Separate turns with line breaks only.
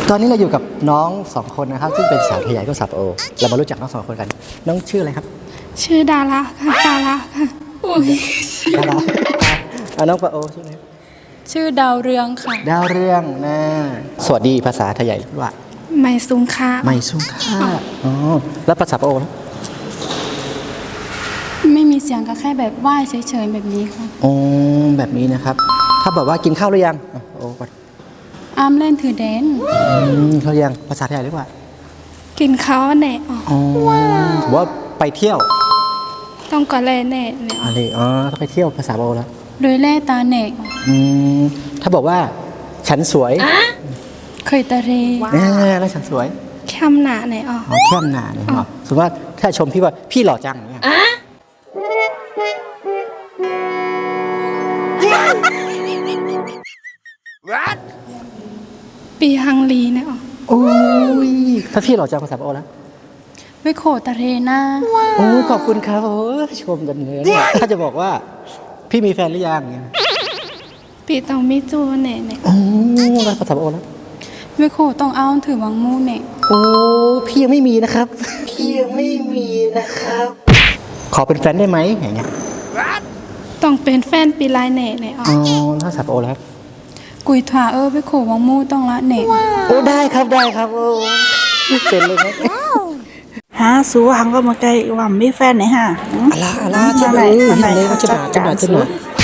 ตอนนี้เราอยู่กับน้องสองคนนะครับซึ่งเป็นสาวไทยใหญ่ก็สาวโอเรามารู้จักน้องสองคนกันน้องชื่ออะไรครับ
ชื่อดาราค่ะดาราค่ะโอ้ย
ดาราน้องปะโอชื่ออะไร
ชื่อดาวเรืองค่ะ
ดาวเรืองนะสวัสดีภาษาไทยใหญ่ว่า
ไม่ซุงค่ะ
ไม่สู้ค่าอ๋อแล้วภาษาปะโอล่ะ
ไม่มีเสียงก็แค่แบบไหว้เฉยๆแบบนี้ค่ะ
อ๋อแบบนี้นะครับถ้าบอกว่ากินข้าวหรือยังอ่ะโอ้ก่อน
อ้ามเล่นถือเดน
ข้าวหรือยังภาษาไทยใหญ่เรียกว่า
กินข้าวแน่อ๋อ
อ๋อถือว่าไปเที่ยว
ต้องก่อนแล่แน่เนี่ยอ๋อ
อะไรอ๋อถ้าไปเที่ยวภาษาปะโอแล้ว
โดยแล่ตาเนก
ถ้าบอกว่าฉันสวย
เคยตะเร
แล้วฉันสวย
แคมหนาเนี่ยอ๋อ
อ๋อแค่มหนาเนี่ยเนาะสมมติว่าถ้าชมพี่ว่าพี่หล่อจังเนี่ย
ปีฮังลีเนี่ยอ๋อ
โอ้ยถ้าพี่หล่อจังภาษาปะโอแล้ว
ไปโขตะเรหน้า
โอ้ขอบคุณครับโอ้ชมกันเลยเนี่ยถ้าจะบอกว่าพี่มีแฟนหรือยังเนี่ย
ปีต้องมีจูเนี่ย
โอ้แล้วภาษาปะโอแล้ว
ไปโขต้องเอาถือวังมูเนี่ย
โอ้พี่ยังไม่มีนะครับพี่ยังไม่มีนะครับ ขอเป็นแฟนได้ไหมอย่างเงี้ย
ต้องเป็นแฟนปีลายเนี่ยอ๋อ
อ๋อภาษาปะโอแล้วครับ
กุยถาไปโขวังมูต้องละเนี่ย
โอ้ได้ครับได้ครับโอ้เป็นเลยไหม
ฮะสูหังก็มาไกลว่ามีแฟนไหนฮะ
อะไรจะไหนจะไหนจะไหน